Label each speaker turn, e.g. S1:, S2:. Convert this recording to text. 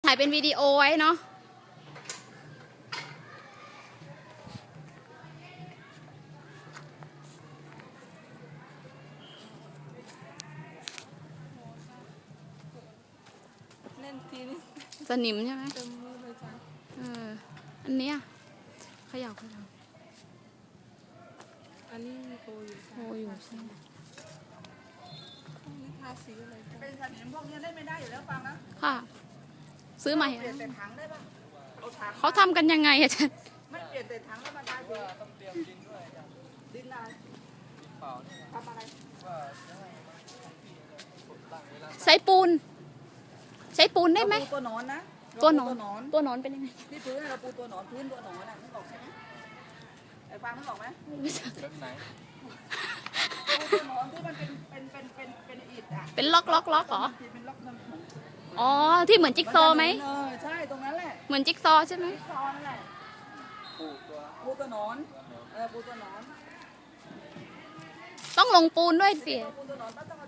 S1: ถ่ายเป็นวิดีโอไว้เนาะ
S2: เล่นทีนี่
S1: สนิมใช่ไหม
S2: เต็มมือเลยจ้ะ
S1: อันเนี้ยเขย่า
S2: อันนี้โตอยู่
S1: โอ้อยู่ใช่ไหม
S2: นี่ทาสีอะไรจ้ะ
S3: เป็นสนิมพวกนี้เล่นไม่ได้อยู่แล้วฟังนะ
S1: ค่ะ ซื้อใหม่
S3: เปลี่ยนแต่ถังได้ปะเอาถัง
S1: เขาทำกันยังไงอาจารย์
S3: ไม่เปลี่ยนแต่ถังแล้วมาทาสี
S4: ต้องเตรียมดินด้วยอาจารย์
S3: ดินอะไร
S4: ดินเปล่าเนี่ย
S3: ทำอะไร
S4: ว่าจะให้มันของพี่เนี่ยผมตั้งเวลา
S1: ใช้ปูน ใช้ปูนได้ไหม
S3: เราปูตัวหนอนนะ
S1: ตัวหนอน
S3: เราปู
S1: ตัวหนอนเป็นยังไง
S3: ที่พื้นเราปูตัวหนอนพื้นตัวหนอนน่ะนึกออกใช่ไหมไอ้ฟังนึกออกไหม
S4: แบบไหน
S3: ปูตัวหนอนที่มันเป็นอิฐอ่ะ
S1: เป็นล็อกเหรอ
S3: เป็นล็อกมัน
S1: อ๋อ ที่เหมือนจิ๊กซอว์ไหม
S3: ใช่ตรงนั้นแหละ
S1: เหมือนจิ๊กซอว์ใช่ไหม
S3: จิ๊กซอว์นั่นแหละ
S4: ปลูกตัว
S3: ปูตัวหนอนปูตัวหนอน
S1: ต้องลงปูนด้วยสิ
S3: ปูตัวหนอนต้อง